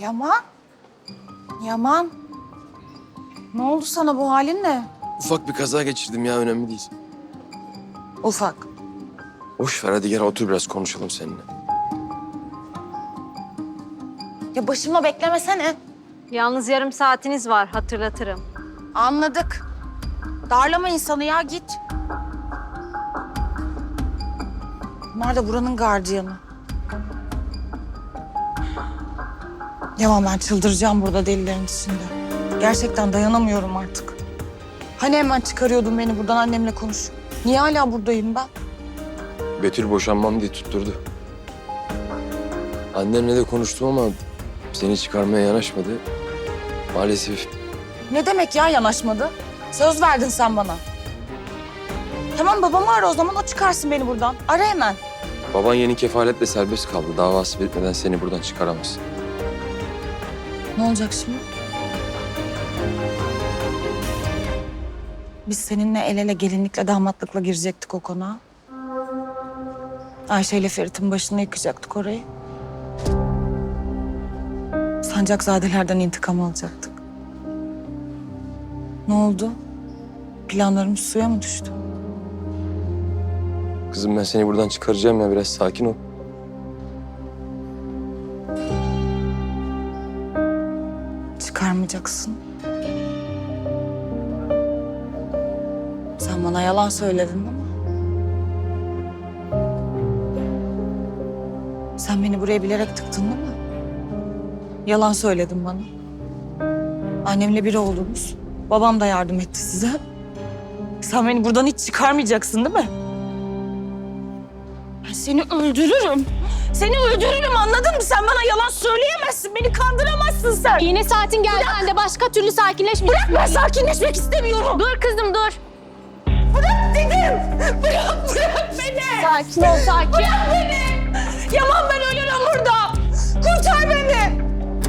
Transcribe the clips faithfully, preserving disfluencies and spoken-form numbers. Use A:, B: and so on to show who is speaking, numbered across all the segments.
A: Yaman. Yaman. Ne oldu sana, bu halin ne?
B: Ufak bir kaza geçirdim ya, önemli değil.
A: Ufak.
B: Boş ver, hadi gel otur biraz konuşalım seninle.
A: Ya başımla beklemesene.
C: Yalnız yarım saatiniz var, hatırlatırım.
A: Anladık. Darlama insanı ya, git. Bunlar da buranın gardiyanı. Yaman, ben çıldıracağım burada delilerin içinde. Gerçekten dayanamıyorum artık. Hani hemen çıkarıyordun beni buradan, annemle konuş. Niye hala buradayım ben?
B: Betül boşanmam diye tutturdu. Annemle de konuştum ama seni çıkarmaya yanaşmadı. Maalesef.
A: Ne demek ya yanaşmadı? Söz verdin sen bana. Tamam, babamı ara o zaman, o çıkarsın beni buradan. Ara hemen.
B: Baban yeni kefaletle serbest kaldı. Davası bitmeden seni buradan çıkaramaz.
A: Ne olacak şimdi? Biz seninle el ele gelinlikle damatlıkla girecektik o konağa. Ayşe ile Ferit'in başını yıkacaktık orayı. Sancakzadelerden intikam alacaktık. Ne oldu? Planlarımız suya mı düştü?
B: Kızım, ben seni buradan çıkaracağım ya, biraz sakin ol.
A: Çıkarmayacaksın. Sen bana yalan söyledin değil mi? Sen beni buraya bilerek tıktın değil mi? Yalan söyledin bana. Annemle biri oldunuz. Babam da yardım etti size. Sen beni buradan hiç çıkarmayacaksın değil mi? Ben seni öldürürüm. Seni öldürürüm, anladın mı? Sen bana yalan söyleyemezsin. Beni kandıramazsın sen.
C: Yine saatin geldi anne, başka türlü sakinleşmeyeceksin.
A: Bırak, ben sakinleşmek istemiyorum.
C: Dur kızım, dur.
A: Bırak dedim. Bırak, bırak beni.
C: Sakin ol, sakin.
A: Bırak beni. Yaman, ben ölürüm burada. Kurtar beni.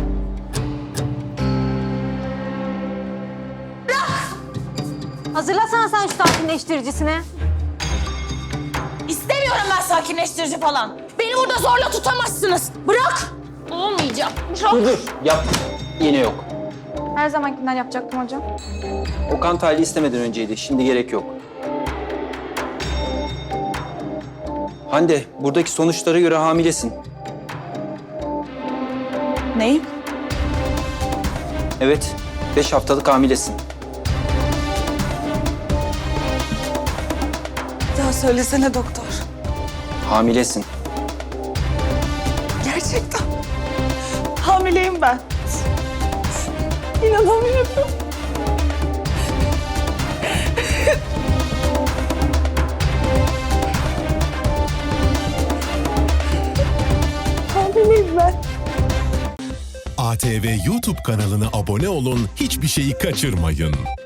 C: Hazırlasana sen şu sakinleştiricisini.
A: İstemiyorum ben sakinleştirici falan. Beni burada zorla tutamazsınız. Bırak. Olmayacak. Bırak.
D: Dur dur, yap. Yine yok.
E: Her zamankinden yapacaktım hocam.
D: O kan tahlili istemeden önceydi, şimdi gerek yok. Hande, buradaki sonuçlara göre hamilesin.
A: Neyim?
D: Evet, beş haftalık hamilesin.
A: Ya söylesene doktor.
D: Hamilesin.
A: Gerçekten. Hamileyim ben. İnanamıyorum. Hamileyim ben.
F: A T V YouTube kanalına abone olun, hiçbir şeyi kaçırmayın.